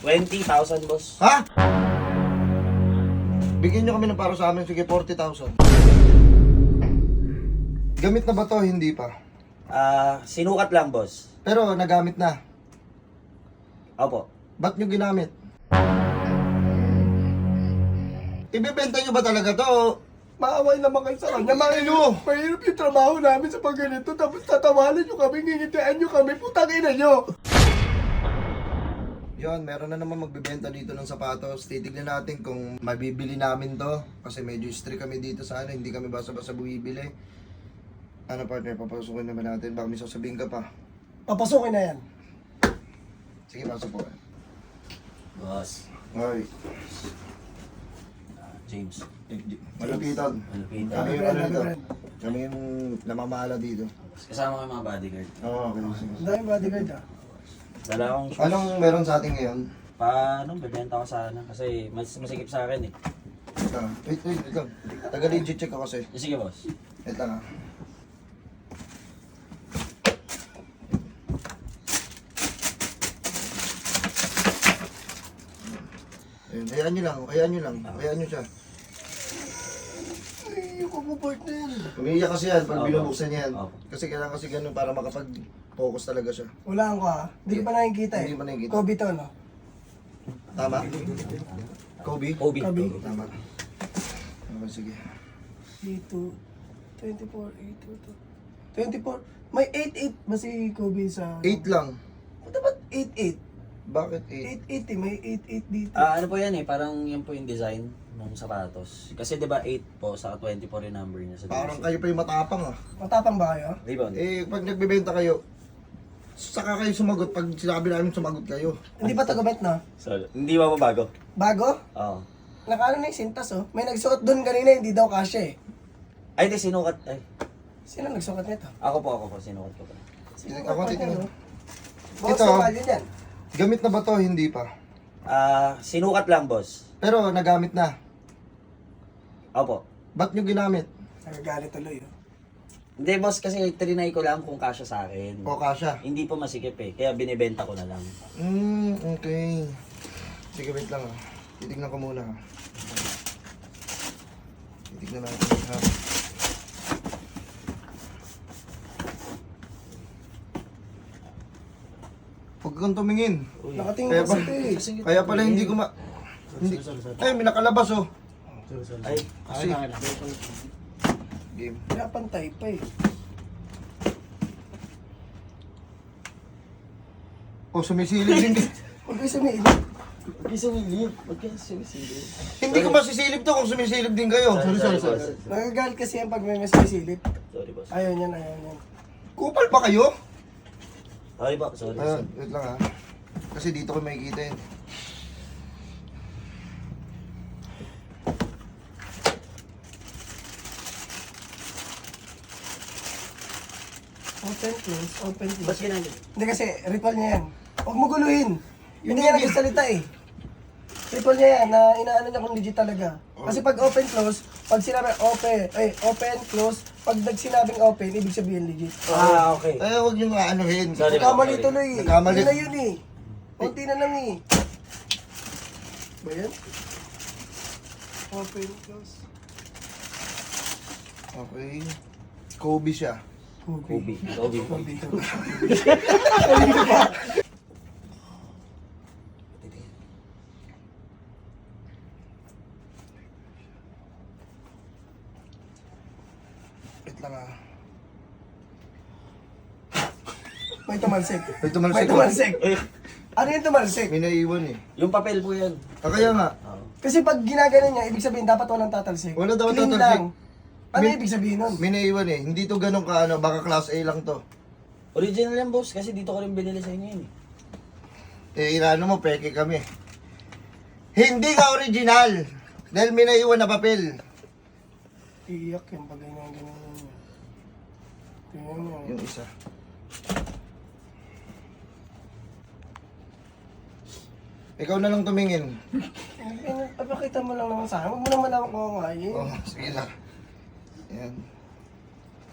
20,000, boss. Ha? Bigyan nyo kami ng para sa amin. Sige, 40,000. Gamit na ba to? Hindi pa. Sinukat lang, boss. Pero nagamit na. Opo. Ba't nyo ginamit? Ibebenta nyo ba talaga to? Maaway naman kayo sa kanya. Mahirap yung trabaho namin sa pagganito. Tapos tatawanan nyo kami, ngingitian nyo kami. Putang ina nyo. Yon, meron na naman magbebenta dito ng sapatos. Titignan natin kung mabibili namin to. Kasi medyo strict kami dito sa ano. Hindi kami basta-basta bumibili. Ano partner, papasukin naman natin. Baka may sasabihin ka pa. Papasukin na yan. Sige, pasok po. Boss. Okay. James. Malapitan. Malapitan. Kami yung ano dito. Kami yung namamahala dito. Kasama ko yung mga bodyguard. Oo, okay. Sige. Ang daming bodyguard ah. Dala akong shoes. Anong meron sa atin ngayon? Paano? Bebenta ko sana. Kasi mas masikip sa akin eh. Ito. Wait lang. Taga-legit check ako kasi. Sige, boss. Ito lang. Ayun, hayaan nyo lang. Hayaan nyo siya. Ay, yung partner. Umiiyak kasi yan pag Opo. binubuksan yan. Opo. Kasi kailangan kasi ganun para makapag-focus talaga siya. Wala ko ah. Hindi ko pa nakikita eh. Hindi pa nakikita. Kobe to no? Tama? Kobe? Kobe. Kobe. Tama. Okay, sige. Dito. 24, 8, 24. May 8-8 ba si Kobe sa... 8 lang. Ba't dapat 8-8? Bakit 8? 8-8 eh. May 8-8 dito. Ano po yan eh, parang yan po yung design ng sapatos. Kasi 'di ba 8 po sa 24 yung number niya sa Parang jersey. kayo pa yung matapang ah. Matapang ba kayo? Rebound. Pag nagbebenta kayo, saka kayo sumagot pag sinabi namin sumagot kayo. Hindi pa tagumet no? So, hindi ba mabago? Bago? Oo. Nakano na yung sintas oh. May nagsuot doon kanina, hindi daw kasya eh. Ay, di sinukat. Ay, Sino nagsuot nito? ako po, sinukat ko pa. Ako titignan. Boss, Ito. sa value niyan. Gamit na ba to? Hindi pa. Sinukat lang, boss. Pero nagamit na. Opo. Ba't nyo ginamit? Nagagalit tuloy oh. Hindi, boss, kasi trinay ko lang kung kasya sa akin. O kasha? Hindi po masikip eh, kaya binibenta ko na lang. Okay. Sige, wait lang ah. Titignan ko muna ah. Titignan natin ha. Huwag kang tumingin. Nakatingin Kaya, kasi ito eh. kaya pala hindi ko Hindi. Ay, may nakalabas oh. Ay, Kasi, game. Kaya pantay pa eh. Oh, sumisilip din. Huwag kayo sumilip. Huwag kayo sumisilip. Hindi ko masisilip to kung sumisilip din kayo. Sorry. Nagagalit kasi yan pag may masisilip. Sorry, boss. Ayaw niyan, ayaw niyan. Kupal pa kayo? Sorry po, sorry. Ayun, wait lang ha. Kasi dito ko makikita yun. Open, close, open, Boss, close. ginamit. Hindi kasi, ritual niya yan. Huwag mo guluhin. Hindi Hindi. yan nagsasalita eh. Ritual niya yan, na inaano niya kung legit talaga. Kasi pag open, close, pag sinabi open, close, pag nagsinabing open, ibig sabihin legit. Okay. Eh, huwag nyo nga anuhin. Sorry. Nagkamali tuloy eh. Nagkamali. Yun na yun eh. Kunti na lang eh. Ba yan? Open, close. Okay. Kobe siya. Kobe. Kobe. Wait lang ah. May tumalsik. May tumalsik. May tumalsik. Eh, Ano yung tumalsik? May naiwan eh. yung papel po yan. Kaya nga. Kasi pag ginagano niya, ibig sabihin dapat walang tatalsik. Wala daw Clean tatalsik. lang. Ano ibig sabihin nun? May naiwan eh. Hindi to ganun ka ano. Baka class A lang to. Original yan, boss, kasi dito ko rin binili sa inyo yun eh. Inaano mo, peke kami. Hindi ka original. Dahil may naiwan na papel. Iiyak yan pag ganyan. Tingnan mo. Yung isa. Ikaw na lang tumingin. Papakita mo lang naman sa akin. Huwag mo naman ako kumain. Oh, sige lang. Ayan.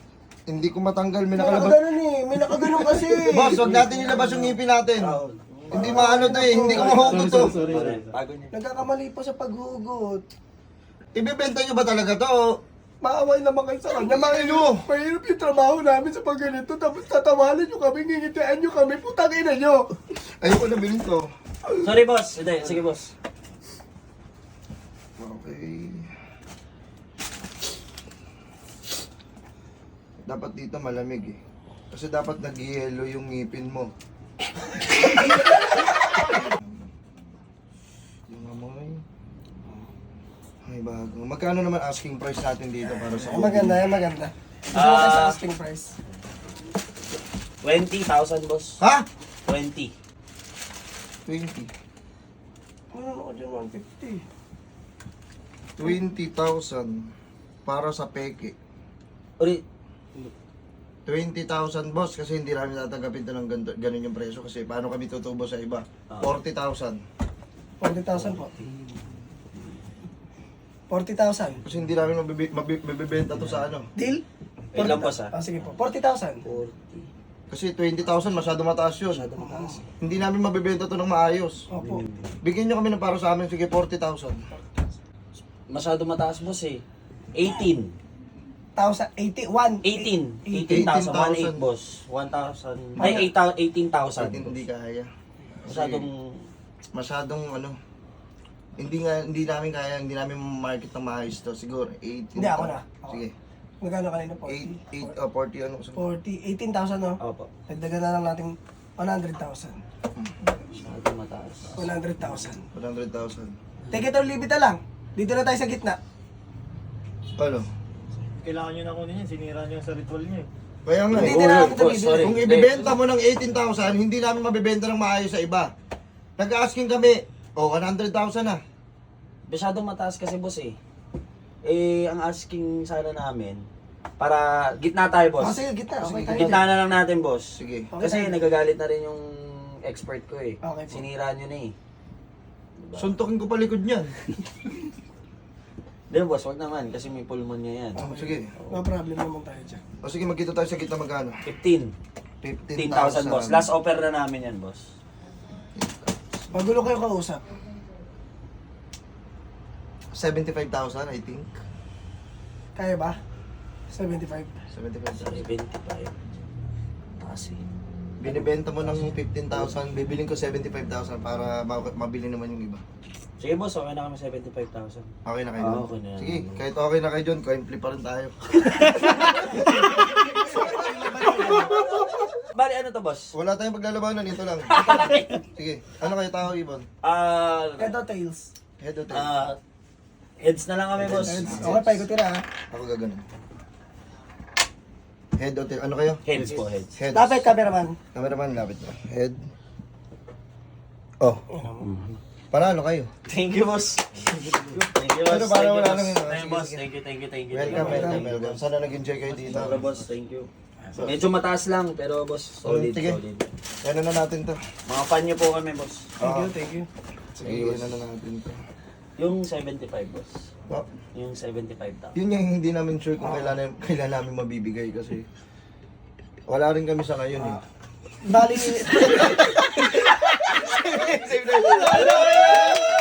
Hindi ko matanggal, may May nakalabas. nakaganon eh. May nakaganon kasi. Boss, huwag natin ilabas yung ngipin natin. Hindi maano to eh, hindi ko mahugot to. Bago niya. Nagkakamali pa sa paghugot. Ibebenta nyo ba talaga to? Maaway naman kayo sa kanya. Mahirap yung trabaho namin sa pagganito. Tapos tatawanan nyo kami, ngingitian nyo kami. Putang ina nyo. Ayoko na bilhin to. Sorry boss. Hindi, sige boss. Okay. Dapat dito malamig eh. Kasi dapat nag-yellow yung ngipin mo. Yung amoy. Ay, bago. Magkano naman asking price natin dito para sa Maganda, maganda. Gusto mo tayo sa asking price. 20,000 boss. Ha? 20. 20. Ano ako dyan, 150. 20,000 para sa peke. Uri, 20,000 boss kasi hindi namin tatanggapin ito ng ganun yung presyo kasi paano kami tutubo sa iba? 40,000. 40,000 po. 40,000. Kasi hindi namin mabibenta to sa ano. Deal? wait lang boss Ah, sige po. 40,000. 40. Kasi 20,000 masyado mataas yun. Masyado mataas. Hindi namin mabibenta to ng maayos. Opo. Bigyan nyo kami ng para sa amin, sige 40,000. Masyado mataas boss eh. 18. 81. 18. 18,000. 1,800 18,000. boss. 1,000. Ay, 18,000. Hindi kaya. Masyadong Masyadong ano. Hindi namin kaya, hindi namin market ng maayos to. Siguro 18,000. Hindi, ako na. Ako. Sige. Magkano kanina po? 40 ano. 40. 18,000 no? Opo. Dagdagan na lang natin 100,000. Masyado mataas. 100,000. 100,000. Take it or leave it na lang. Dito na tayo sa gitna. Ano? Kailangan nyo na kunin yan, sinira nyo sa ritual nyo eh. Kaya nga Hindi eh. din na Uy, natin ito boss, sorry. Kung ibibenta mo ng 18,000, hindi namin mabibenta ng maayos sa iba. Nag-asking kami, 100,000 na. Masyado mataas kasi boss eh. Eh, ang asking sana namin, para gitna tayo Oh, boss. sige, gitna. Okay tayo. Gitna na lang natin boss. Sige. Okay, Kasi tayo. nagagalit na rin yung expert ko eh. Okay po. Sinira nyo na eh. Suntukin ko palikod niyan. Hindi boss, wag naman kasi may pulmonya yan. Sige. No problem naman tayo dyan. O sige, magkita tayo sa kita magkano? 15. 15,000 boss. Last offer na namin yan boss. Magulo kayo kausap. 75,000 I think. Kaya ba? 75. 75,000. 75. Taas eh. Binibenta mo ng 15,000, bibiling ko 75,000 para mabili naman yung iba. Sige boss, okay na kami 75,000. Okay na kayo doon? Okay na yan. Sige, kahit okay na kayo doon, coin flip pa rin tayo. Bali ano to boss? Wala tayong paglalabanan, ito lang. Sige, ano kayo tao, Ibon? Head or tails? Head o tail? Heads na lang kami boss. Heads. Okay, paikutin na ha. Ako gaganon. Head o tail? Ano kayo? Heads po, heads. Head. Lapit, cameraman. Cameraman, lapit na. Head. Oh. Panalo kayo. Thank you boss. Thank you boss. Pero para Thank you, wala boss. nang yun, Thank you sige, boss. sige. Thank you. Welcome. Sana nag-enjoy kayo dito. Tara boss, thank you. Medyo mataas lang pero boss, solid, Sige. solid. Ano na natin to? Mga fan niyo po kami boss. Thank you. Sige, ano na natin to? Yung 75 boss. Oh, Yung 75,000. yun yung hindi namin sure kung kailan namin mabibigay kasi wala rin kami sa ngayon eh. Bali, Save na.